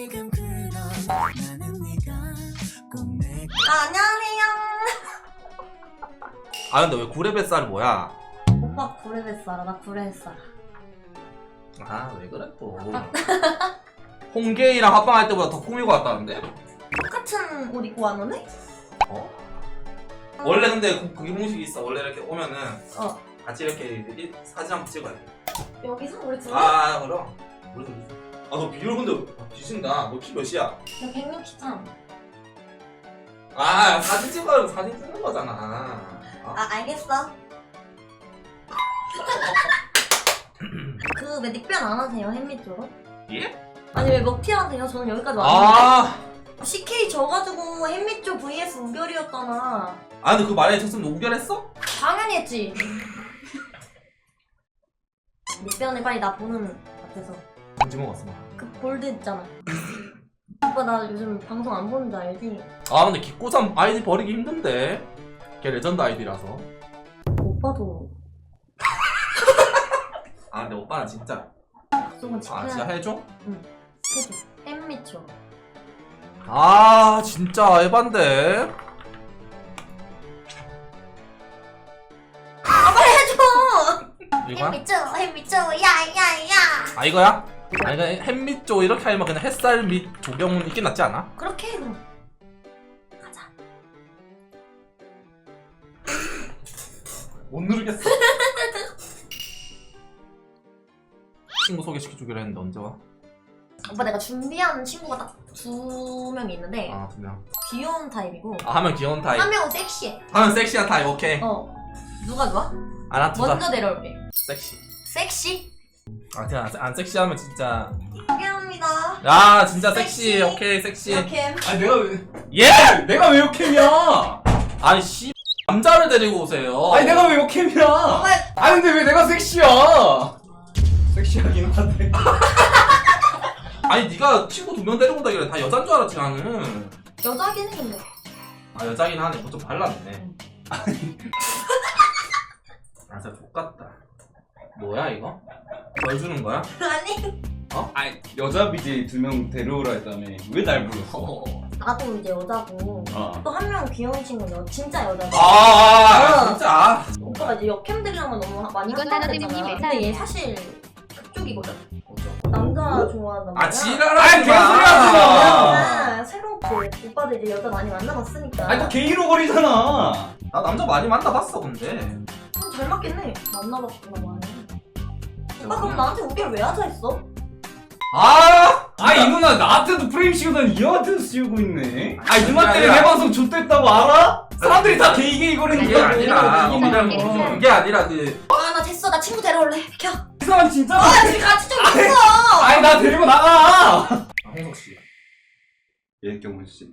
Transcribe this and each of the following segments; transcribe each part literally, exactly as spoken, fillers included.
지금 그런 나는 네가 꼭 내. 아, 안녕하세요. 아 근데 왜 구레 뱃살 뭐야? 오빠 구레 뱃살아, 나 구레 뱃살. 아 왜 그래 또. 홍게이랑 합방할 때보다 더 꾸미고 왔다는데? 똑같은 옷 입고 왔는데? 어? 원래 근데 그- 그게 공식이 있어. 원래 이렇게 오면은 어. 같이 이렇게 이- 사진 한번 찍어야 돼. 여기서 우리 둘이? 아 그럼. 우리 둘이. 아너 비율 근데 뒤진다. 너 키 몇이야? 나 백육십삼. 아 사진 찍어야 사진 찍는 거잖아. 어? 아, 알겠어. 그 왜 닉변 안 하세요, 햄미 쪽은? 예? 아니 왜 먹튀 하세요? 저는 여기까지 왔는데. 아. 씨케이 져가지고 햄미 쪽 vs 우결이었잖아. 아 근데 그 말에 쳤으면 우결했어? 당연히 했지. 닉변에 빨리 나 보는 앞에서. 언제 먹었어? 그 볼드 있잖아. 오빠 나 요즘 방송 안 보는 줄 알지? 아 근데 기꼬삼 아이디 버리기 힘든데. 걔 레전드 아이디라서. 오빠도 아 근데 오빠는 진짜. 약속은 지켜야 아 진짜 해줘? 해줘. 햄미초. 아 진짜 에반데. 아 빨리 해줘. 이거야? 햄미초 햄미초 야야야. 아 이거야? 아 이거 햇밑 쪽 이렇게 하면 그냥 햇살 밑 조경은 있긴 낫지 않아? 그렇게 해 그럼. 가자. 못 누르겠어. 친구 소개시켜주기로 했는데 언제 와? 오빠 내가 준비하는 친구가 딱 두 명이 있는데 아 두 명. 귀여운 타입이고 아 하면 귀여운 타입. 한 명은 섹시해. 하면 섹시한 타입 오케이. 어. 누가 좋아? 아나 두자. 먼저 내려올게. 섹시. 섹시? 아 그냥 안, 안 섹시하면 진짜. 소개합니다. 야 진짜 섹시. 섹시. 오케이 섹시. 이렇게. 아니 내가 왜 예? 내가 왜 욕캠이야? 아니 씨 남자를 데리고 오세요. 아니 내가 왜 욕캠이야? 오빠 아니 근데 왜 내가 섹시야? 섹시하긴 한데. 아니 네가 친구 두 명 데리고 온다길래 다 여잔 줄 알았지 나는. 여자긴 해 근데. 아 여자긴 하네. 뭐 좀 발랐네. 아 진짜 족같다. 뭐야 이거? 뭘 주는 거야? 아니. 아니 여자 비제이 두 명 데려오라 했다며 왜 날 불렀어? 나도 이제 여자고 어. 또 한 명 귀여운 친구는 여, 진짜 여자고. 아, 아 어. 진짜. 아. 오빠가 이제 역캠들이랑은 너무 많이 이건 하잖아. 나노드님이 근데 얘 매사아니야. 사실 그쪽이거든. 남자 좋아한단 말이야. 아 지랄하지 아니, 개소리 하지 마. 아, 새롭게 오빠도 이제 여자 많이 만나봤으니까. 아니 또 게이로 거리잖아. 나 남자 많이 만나봤어 근데. 어, 잘 맞겠네. 만나봤구나 많이. 오빠 그럼 나한테 우결 왜 하자 했어? 아! 아이 누나 나한테도 프레임 씌우더니 이 형한테도 씌우고 있네. 아이 누나 그게 때문에 아니라- 내 방송 좆됐다고 알아? 사람들이 다 게이 게이 거리는 그게 거야. 아니라 이게 우리랑 이게 무슨 이게 그게 아니라 그 아 나 됐어. 나 친구 데려올래. 비켜. 이 사람 진짜. 아 지금 같이 좀 있어. 아니 나 데리고 나가. 아, 홍석 씨. 예 경훈 씨.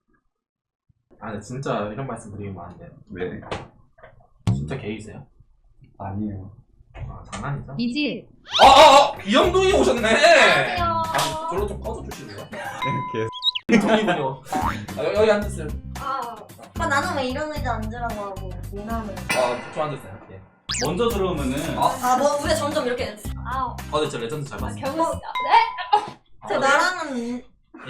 아 근데 진짜 이런 말씀 드리면 안 돼. 왜? 진짜 게이세요? 아니에요. 아 장난이죠? 이지. 아, 아, 아 귀염둥이 오셨네. 안녕하세요. 아 저로 좀 꺼져 주실래요? 개. 동이군요. 아, 여기, 여기 앉으세요. 아 오빠 나는 왜 이런 의자 앉으라고 하고 미남을. 아, 저 앉으세요. 예. 먼저 들어오면은 아, 아 뭐 우리가 점점 이렇게. 아, 아, 근데 저 레전드 잘 봤어요. 경호. 네? 저 나랑은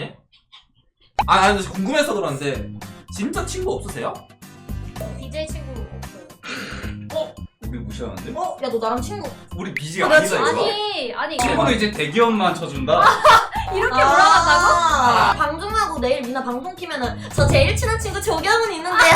아, 아니, 근데 궁금해서 그러는데 진짜 친구 없으세요? 디제이 친구 없어요. 우리 무시하는데? 어? 야 너 나랑 친구. 우리 비지가 그래, 아니다 이거. 아니, 아니 이거 친구는 이제 대기업만 쳐준다? 이렇게 아, 올라간다고? 방송하고 내일 미나 방송 키면은 저 제일 친한 친구 조경은 있는데요.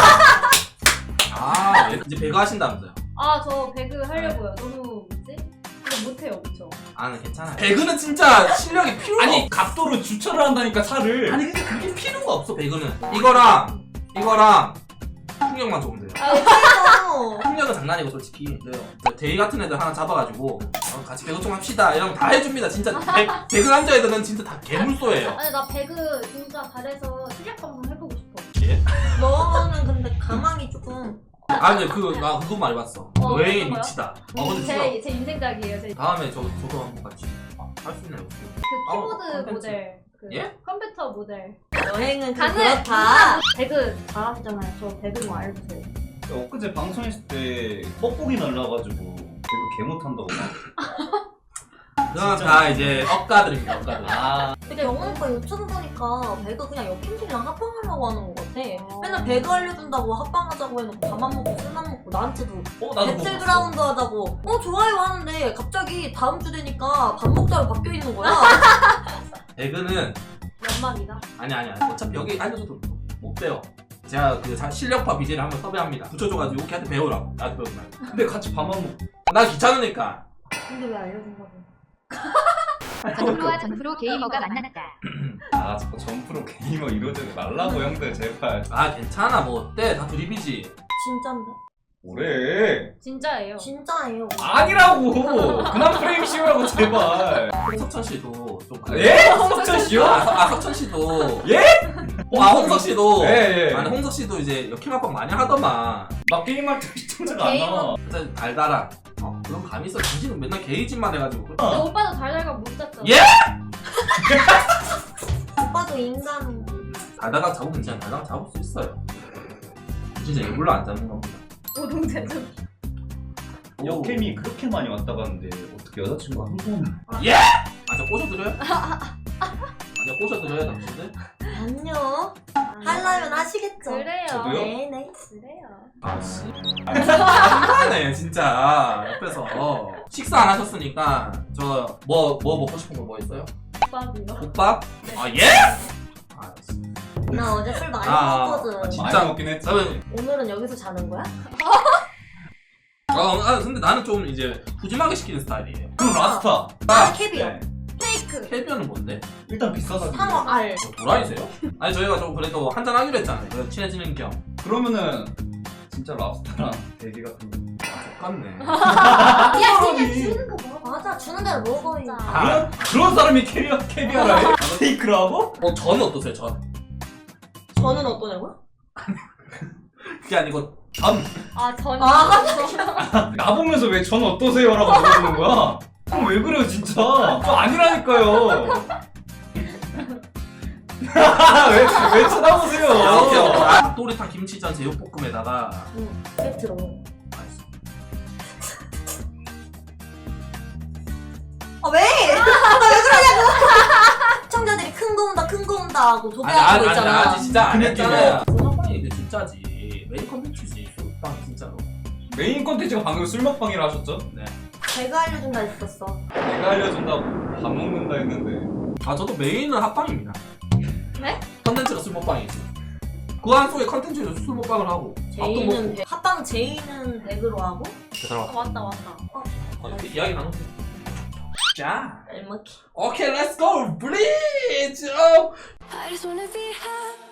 아, 예. 이제 배그 하신다면서요? 아, 저 배그 하려고요. 너무 뭐지? 근데 못해요, 그쵸? 아, 네, 괜찮아요. 배그는 진짜 실력이 필요가 아니 없. 각도로 주차를 한다니까 차를. 아니 근데 그게 필요가 없어 배그는. 이거랑 이거랑 풍력만 좋으면 돼요. 아 그래도 풍력은 장난이고 솔직히. 네. 데이 같은 애들 하나 잡아가지고 어, 같이 배그 좀 합시다 이러면 다 해줍니다. 진짜 배, 배그 남자 애들은 진짜 다 개물소예요. 아니, 나 배그 진짜 잘해서 실력 방송 해보고 싶어. 너는 근데 가망이 조금. 아 근데 그 나 그거 많이 봤어. 어, 여행이 어떤 거요? 미치다. 어 근데 진짜 제, 제 인생작이에요. 제, 그 다음에 저 저도 한번 같이 할 수 있나요? 키보드 아, 콘텐츠. 모델. 그 예? 컴퓨터 모델. 여행은 좀 가능! 그렇다. 배그 잘하시잖아요. 저 배그 좀 알려주세요. 엊그제 방송했을 때 뻑뻑이 날라가지고 배그 개 못한다고 막. 그건 진짜. 다 이제 억가들입니다. 억가들. 아 근데 영훈 오빠 유튜브 보니까 배그 그냥 여캠들이랑 합방하려고 하는 것 같아. 맨날 배그 알려준다고 합방하자고 해놓고 밥만 먹고 술만 먹고 나한테도 어 나도 그거 배틀그라운드 하자고 어 좋아요 하는데 갑자기 다음 주 되니까 밥 먹자로 바뀌어 있는 거야. 배그는 연말이다. 아니 아니 아니 어차피 여기 알려줘도 못 배워. 제가 그 자- 실력파 비제를 한번 섭외합니다. 붙여줘가지고 걔한테 배우라고. 나한테 배우지 말고. 근데 같이 밥만 먹고 나 귀찮으니까. 근데 왜 알려준다고? 전프로와 전프로 게이머가 만났다. 아 자꾸 점프로 게이머 이러지 말라고 형들 제발. 아 괜찮아 뭐 어때 다 드립이지. 진짠데? 뭐래? 진짜예요. 진짜예요. 아니라고. 그만 프레임 씌우라고 제발. 홍석천 씨도 좀 그래. 예? 석천 씨요? 아, 서- 아 석천 씨도. 예? 어, 아 홍석 씨도. 예, 예. 아니 홍석 씨도 이제 역행 합방 많이 하더만. 막 게임할 때 시청자가 안 나와. 진짜 달달한. 어 그런 감이 있어. 당신은 맨날 게이짓만 해가지고. 근데 오빠도 달달가 못 잤잖아. 예? 오빠도 인간. 달달가 잡으면 그냥 달달가 잡을 수 있어요. 진짜 일부러 안 잡는 겁니다. 오동제전. 역캠이 그렇게 많이 왔다 갔는데 어떻게 여자친구가 한 번? 아, 저 꼬셔드려요? 아, 저 꼬셔드려요, 당신들? 안녕. 하려면 하시겠죠? 그래요. 저도요? 네네. 그래요. 아, 씨. 한가하네, 진짜. 옆에서. 식사 안 하셨으니까, 저, 뭐, 뭐 먹고 싶은 거 뭐 있어요? 오빠도요. 국밥? 아, 예? 아, 씨. 나 어제 술 많이 아, 먹었거든. 아, 진짜? 많이 먹긴 했지. 그러면, 오늘은 여기서 자는 거야? 어, 아, 근데 나는 좀 이제 푸짐하게 시키는 스타일이에요. 그럼 라스타. 나 캐비어. 네. 페이크. 캐비어는 뭔데? 일단 비싸가지고. 상어 알. 뭐, 도라이세요? 아니, 저희가 좀 그래도 한잔 하기로 했잖아요. 그래서 친해지는 겸. 그러면은 진짜 랍스타랑 대기 같은 거. 똑같네. 야 사람이. 그냥 주는 거 먹어. 맞아, 주는 대로 먹어. 진짜. 아, 그런 그런 사람이 캐비어 캐비어라 해? 테이크를 하고? 어, 전 어떠세요, 전? 저는 어떠냐고요? 그게 아니고, 전. 아 전. 아, 나 보면서 왜 전 어떠세요라고 물어보는 거야? 그럼 왜 그래요 진짜? 저 아니라니까요. 왜, 왜 쳐다보세요? 이렇게 아, 또리탕 김치전 제육볶음에다가 응, 세트로. 맛있어. 아, 왜? 아, 왜 그러냐고! 시청자들이 큰 거 온다, 큰 거 온다 하고 아니, 도배하는 아니, 거 아니, 있잖아. 아직 진짜 안 그 했잖아요. 소방이 이게 진짜지. 메인 컨텐츠지. 소방 진짜로. 메인 컨텐츠가 방금 술 먹방이라 하셨죠? 제가 알려준다 했었어. 내가 알려준다고 밥 먹는다 했는데 아, 저도 메인은 합방입니다. 네? 컨텐츠가 술 먹방이지. 그 안 속에 컨텐츠에서 술 먹방을 하고 밥도 제이는 먹고. 배, 합방 제이는 백으로 하고 그 사람 아, 맞다 맞다. 어, 이렇게 이야기 나누세요. 자, 짤먹기. 오케이, 렛츠 고, 블리즈. I just wanna be happy